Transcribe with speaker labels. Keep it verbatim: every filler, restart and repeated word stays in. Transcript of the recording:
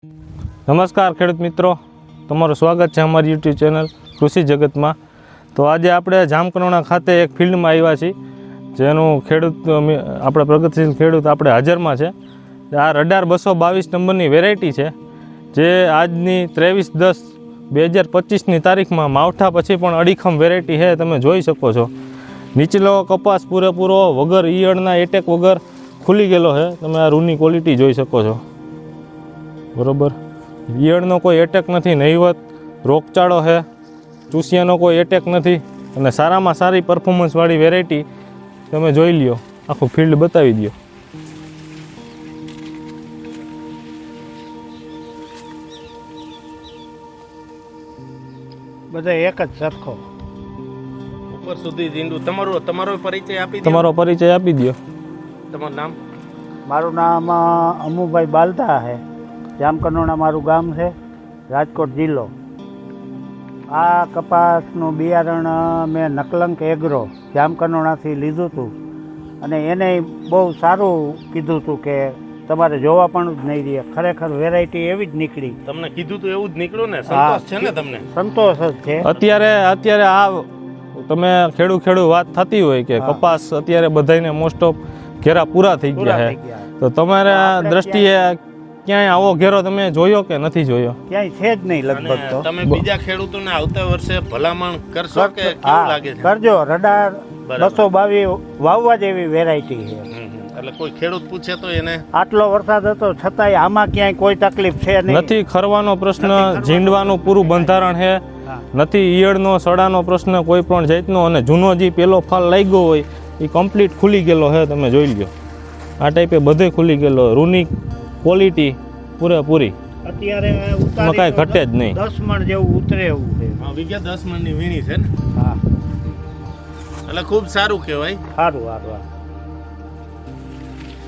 Speaker 1: નમસ્કાર ખેડૂત મિત્રો, તમારું સ્વાગત છે અમારી યુટ્યુબ ચેનલ કૃષિ જગતમાં. તો આજે આપણે જામકંડોરણા ખાતે એક ફિલ્ડમાં આવ્યા છીએ, જેનું ખેડૂત આપણે પ્રગતિશીલ ખેડૂત આપણે હાજરમાં છે. આ રડાર બસો બાવીસ નંબરની વેરાયટી છે, જે આજની ત્રેવીસ દસ બે હજાર પચીસની તારીખમાં માવઠા પછી પણ અડીખમ વેરાયટી છે. તમે જોઈ શકો છો, નીચલો કપાસ પૂરેપૂરો વગર ઈયળના એટેક વગર ખુલી ગયેલો છે. તમે આ રૂની ક્વોલિટી જોઈ શકો છો, બરાબર. ઈયળનો કોઈ એટેક નથી, નહીવત રોગચાળો છે, ચૂસિયાનો કોઈ એટેક નથી, અને સારામાં સારી પરફોર્મન્સવાળી વેરાયટી તમે જોઈ લ્યો. આખું ફિલ્ડ બતાવી દો.
Speaker 2: બધા એક જ સરખો
Speaker 3: ઉપર સુધી જીંડું. તમારો તમારો પરિચય આપી દો.
Speaker 1: તમારો પરિચય આપી દો.
Speaker 3: તમારું નામ?
Speaker 2: મારું નામ અ, અમુભાઈ બાલતા છે. જામકંડોરણા મારું ગામ છે, રાજકોટ જિલ્લો. આ કપાસનું બિયારણ અ, મેં નકલંક એગ્રો જામકંડોરણાથી લીધું હતું, અને એને બહુ સારું કીધું હતું કે તમારે જોવા પણ જ નહીં રહે. ખરેખર વેરાયટી એવી જ નીકળી.
Speaker 3: તમને કીધું તો એવું જ નીકળ્યું ને? સંતોષ છે ને તમને?
Speaker 2: સંતોષ જ છે.
Speaker 1: અત્યારે અત્યારે આ તમે ખેડૂ ખેડૂ વાત થતી હોય કે કપાસ અત્યારે બધાને મોસ્ટ ઓફ ઘેરા પૂરા થઈ ગયા છે, તો તમારા દ્રષ્ટિએ ક્યાંય આવો ઘેરો તમે જોયો કે નથી જોયો?
Speaker 2: ક્યાંય છે જ નહીં લગભગ. તો
Speaker 3: તમે બીજા ખેડૂતોને આવતા વર્ષે ભલામણ કરશો કે કેવું લાગે છે?
Speaker 2: કરજો. રડાર બસો બાવીસ વાવવા જેવી વેરાયટી છે.
Speaker 3: એટલે કોઈ ખેડૂત પૂછે તો એને
Speaker 2: આટલો વરસાદ હતો છતાંય આમાં ક્યાંય કોઈ તકલીફ છે નહીં.
Speaker 1: નથી ખરવાનો પ્રશ્ન, ઝીંડવાનું પૂરું બંધારણ છે, નથી ઈયળનો સડાનો પ્રશ્ન કોઈ પણ જાતનો, અને જૂનો જે પેલો ફાલ લાગ્યો હોય એ કમ્પ્લીટ ખુલી ગયેલો છે. તમે જોઈ લો, આ ટાઈપે બધે ખુલી ગયેલો. રૂની ક્વોલિટી પૂરેપૂરી,
Speaker 2: અત્યારે
Speaker 1: એમાં કાંઈ ઘટે જ નહીં.
Speaker 2: દસ મણ જેવું ઉતરે એવું છે.
Speaker 3: વિઘે દસ મણની વીણી છે ને?
Speaker 2: હા,
Speaker 3: એટલે ખૂબ સારું કહેવાય.
Speaker 2: સારું સારું.